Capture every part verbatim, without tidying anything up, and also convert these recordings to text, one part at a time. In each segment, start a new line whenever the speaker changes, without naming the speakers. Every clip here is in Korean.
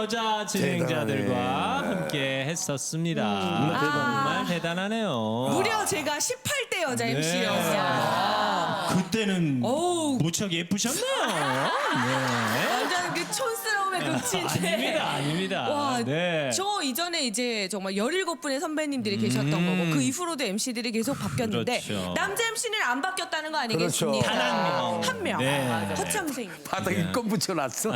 여자 진행자들과
대단하네.
함께 했었습니다.
음,
아, 정말 대단하네요.
무려 제가 십팔 대 여자
네.
엠씨였어요.
그때는
어우.
무척 예쁘셨네요. 네.
완전 그 촌스러움의 극치인데.
아닙니다, 아닙니다.
와,
네.
저 이전에 이제 정말 열일곱 분의 선배님들이 계셨던 거고 그 이후로도 엠씨들이 계속 바뀌었는데
그렇죠.
남자 엠씨는 안 바뀌었다는 거 아니겠습니까?
단 한 명.
한 명.
네.
허참생.
바닥에 껌 붙여놨어.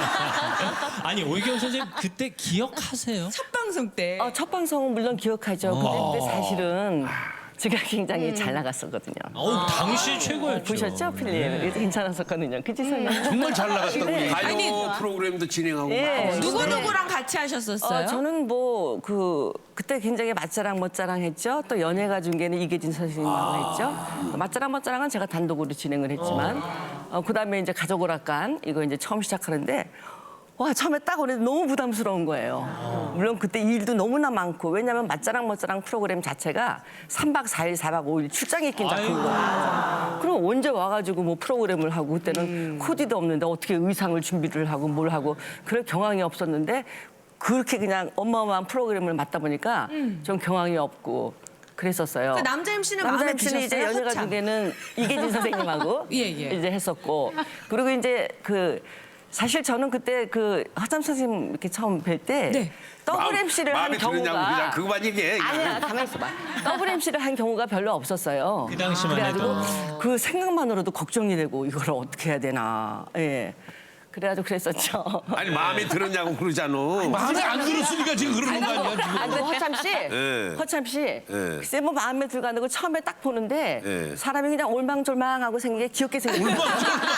아니 오이경 선생님 그때 기억하세요?
첫 방송 때.
어, 첫 방송은 물론 기억하죠.
어.
근데 사실은 제가 굉장히 잘 나갔었거든요.
어, 당시 최고였죠.
보셨죠, 필립? 괜찮았었거든요. 그치, 선생님?
정말 잘 나갔다고.
네.
가요
아니,
프로그램도 진행하고.
예.
막.
누구 누구랑 같이 하셨었어요?
어, 저는 뭐, 그, 그때 굉장히 맛자랑 멋자랑 했죠. 또 연예가 중계는 이계진 선생님하고 했죠. 맛자랑 멋자랑은 제가 단독으로 진행을 했지만, 어, 그 다음에 이제 가족 오락관, 이거 이제 처음 시작하는데, 와, 처음에 딱 오는데 너무 부담스러운 거예요. 물론 그때 일도 너무나 많고, 왜냐면 맛자랑 멋자랑 프로그램 자체가 삼 박 사 일, 사 박 오 일 출장이 낀 작품인 거예요. 그럼 언제 와가지고 뭐 프로그램을 하고, 그때는 코디도 없는데 어떻게 의상을 준비를 하고 뭘 하고, 그럴 경황이 없었는데, 그렇게 그냥 어마어마한 프로그램을 맡다 보니까 좀 경황이 없고 그랬었어요.
그 남자 엠씨는
남자
마음에
엠씨는 이제
드셨어요?
연예가
허참.
중에는 이계진 선생님하고
예, 예.
이제 했었고, 그리고 이제 그 사실 저는 그때 그 허참 선생님 이렇게 처음 뵐 때
네.
더블 엠씨를 한
마음에 드느냐고 그냥
경우가
그거만 얘기해.
아니야, 가만 있어봐. 더블 엠씨를 한 경우가 별로 없었어요.
그 당시만
그래가지고
해도.
그 생각만으로도 걱정이 되고 이걸 어떻게 해야 되나. 예. 그래가지고 그랬었죠.
아니 마음에 들었냐고 그러잖아.
마음에 안 들었으니까 지금 그러는 거 아니야 지금?
아, 근데 허참 씨,
예.
허참 씨, 글쎄 뭐 마음에 들고 안 들고 처음에 딱 보는데
예.
사람이 그냥 올망졸망하고 생긴 게 귀엽게 생긴 거예요.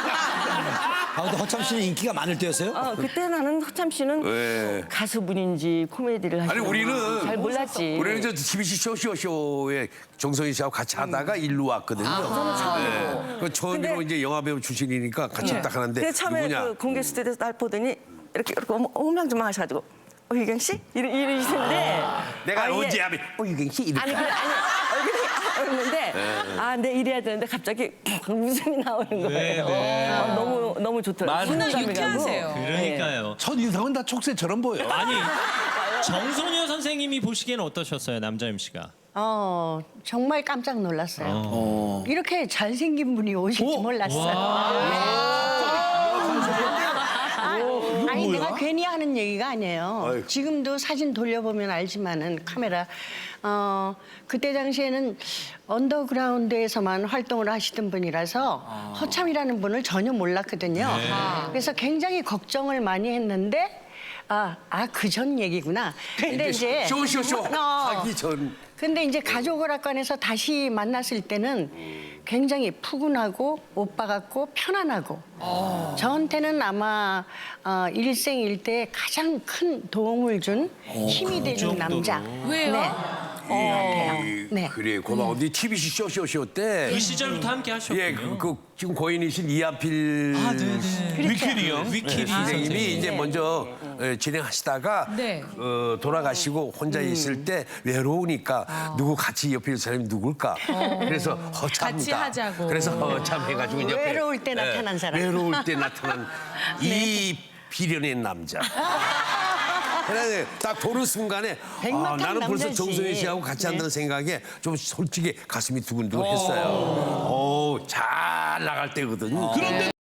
아 근데 허참 씨는 인기가 많을 때였어요?
어, 그때 나는 허참 씨는
왜?
가수분인지 코미디를 하시는
아니, 우리는
잘 몰랐지.
우리는 저 티비씨 쇼쇼쇼에 정성희 씨하고 같이 하다가 일로 왔거든요.
저는 처음이고.
네. 그 처음으로
근데-
이제 영화배우 출신이니까 같이 딱 하는데
근데 처음에
누구냐?
그 공개 스튜디오에서 날 보더니 이렇게 이렇게 어망저망 하셔가지고 어 유경 씨 이러 이러시는데
내가
아, 이게-
언제 하면 어 유경 씨 이렇게.
아니 그래 아니 얼굴이 아, 이러는데 아 내 이래야 되는데 갑자기 웃음이 나오는 거예요. 어, 너무 너무 좋더라고요.
맞아요.
순간감이
유쾌하세요.
가고.
그러니까요.
첫 인상은 다 촉새처럼 보여.
아니 정소녀 선생님이 보시기에는 어떠셨어요, 남자 엠씨가?
어 정말 깜짝 놀랐어요. 이렇게 잘생긴 분이 오실지 몰랐어요. 아, 아니 내가 괜히 하는 얘기가 아니에요.
아유.
지금도 사진 돌려보면 알지만은 카메라 어 그때 당시에는 언더그라운드에서만 활동을 하시던 분이라서 허참이라는 분을 전혀 몰랐거든요. 그래서 굉장히 걱정을 많이 했는데 아, 아, 그 전 얘기구나. 근데 이제
쇼쇼쇼
어.
하기 전.
근데 이제 가족오락관에서 다시 만났을 때는 굉장히 푸근하고 오빠 같고 편안하고 저한테는 아마 어, 일생일대 가장 큰 도움을 준 힘이 되는 남자.
왜요?
네. 어,
이-
네.
그래 고마워. 네 티비씨 쇼쇼쇼 때.
그 시절부터 함께 하셨군요.
예, 그, 그 지금 고인이신 이한필
아, 네네.
위키리 형.
위키리
선생님이
선생님.
이제 먼저 예, 진행하시다가
네.
어, 돌아가시고 혼자 있을 때 외로우니까 누구 같이 옆에 있는 사람이 누굴까? 그래서 허참다.
같이 하자고.
그래서 허참해가지고 옆에
외로울 때
예,
나타난 사람.
외로울 때 나타난 이 비련의 남자. 그래 딱 보는 순간에 아,
백마탄
나는 벌써
남자지.
정선희 씨하고 같이 한다는 생각에 좀 솔직히 가슴이 두근두근했어요. 오, 잘 나갈 때거든요.
그런데